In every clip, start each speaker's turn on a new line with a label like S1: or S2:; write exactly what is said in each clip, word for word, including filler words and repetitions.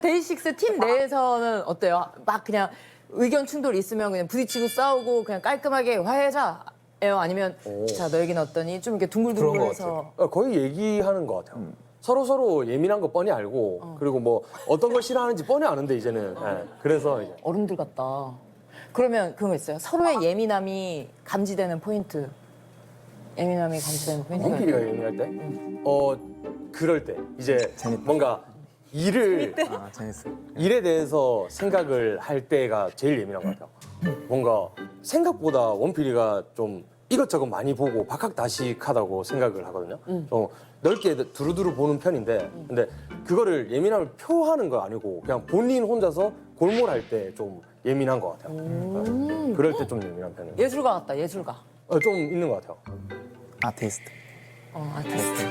S1: 데이식스 팀 내에서는 어때요? 막 그냥 의견 충돌 있으면 그냥 부딪히고 싸우고 그냥 깔끔하게 화해자예요? 아니면
S2: 오.
S1: 자 너 얘기는 어떠니? 좀 이렇게
S3: 그런 것
S1: 둥글둥글해서
S2: 어, 거의 얘기하는 것 같아요. 서로 서로 예민한 거 뻔히 알고 그리고 뭐 어떤 걸 싫어하는지 뻔히 아는데 이제는 예, 그래서 이제
S1: 어른들 같다. 그러면 그런 거 있어요? 서로의 예민함이 감지되는 포인트. 예민함이 감지되는 포인트가
S2: 원필이가
S1: 있어요?
S2: 예민할 때, 어 그럴 때 이제 뭔가 일을
S3: 아 재밌어.
S2: 일에 대해서 생각을 할 때가 제일 예민한 것 같아요. 뭔가 생각보다 원필이가 좀 이것저것 많이 보고 박학다식하다고 생각을 하거든요. 좀 넓게 두루두루 보는 편인데, 근데 그거를 예민함을 표하는 거 아니고 그냥 본인 혼자서 골몰할 때 좀 예민한 것 같아요. 네. 그럴 때 좀 예민한 편이에요.
S1: 예술가 같다. 예술가.
S2: 어, 좀 있는 것 같아요.
S3: 아티스트.
S1: 어, 아티스트.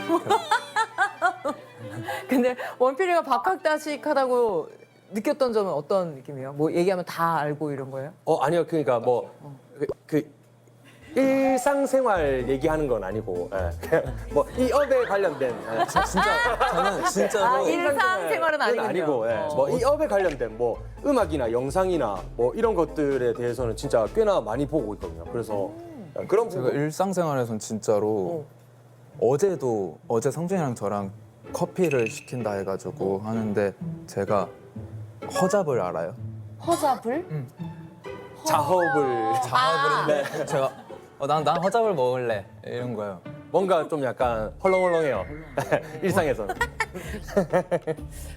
S1: 근데 원필이가 박학다식하다고 느꼈던 점은 어떤 느낌이에요? 뭐 얘기하면 다 알고 이런 거예요?
S2: 어 아니요, 그러니까 뭐 그, 그 일상생활 얘기하는 건 아니고, 예. 그냥 뭐 이 업에 관련된, 예.
S3: 진짜 저는 진짜로
S1: 아, 일상생활은 아니군요.
S2: 아니고, 예.
S1: 어.
S2: 뭐 이 업에 관련된 뭐 음악이나 영상이나 뭐 이런 것들에 대해서는 진짜 꽤나 많이 보고 있거든요. 그래서 예, 그런
S3: 제가
S2: 부분.
S3: 일상생활에선 진짜로 어제도 어제 성준이랑 저랑 커피를 시킨다 해가지고 하는데 제가 허잡을 알아요?
S1: 허잡을?
S2: 자업을
S3: 자업을 했는데 제가 어, 난, 난 허잡을 먹을래 이런 거예요.
S2: 뭔가 좀 약간 헐렁헐렁해요. 일상에서는.